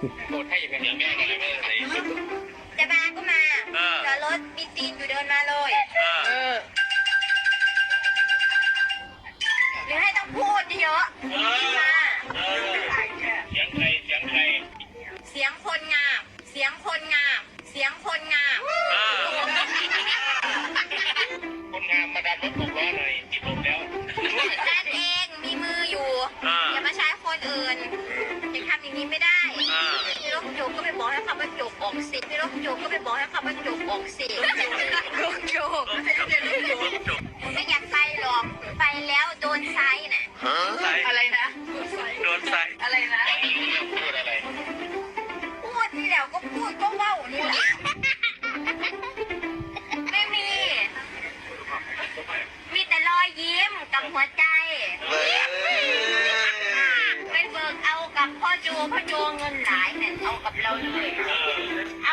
โดดให้อย่างเงี้ยแม่ก็เลยไม่ได้จะมาก็มาจอดรถมีตีนอยู่เดินมาเลยหรือให้ต้องพูดเยอะมาเสียงใครเสียงใครเสียงคนงามเสียงคนงามเสียงคนงามคนงามมาดันรถ6 ล้อหน่อยติดลมแล้วด้านเองมีมืออยู่อย่ามาใช้คนอื่นยังทำอย่างนี้ไม่ได้พี่รถโจกก็ไปบอกให้คำว่าโจกออกสิพี่รถโจกก็ไปบอกให้คำว่าโจกออกสิรถโจกไม่อยากไปหรอกไปแล้วโดนไซน์น่ะอะไรนะโดนไซน์อะไรนะพูดอะไรพูดนี่แหละก็พูดก็เว้านี่แหละไม่มีแต่รอยยิ้มกับหัวใจไปเบิกเอากับพ่อโจเงินหลายเนี่ยเอากับเราเลยเอา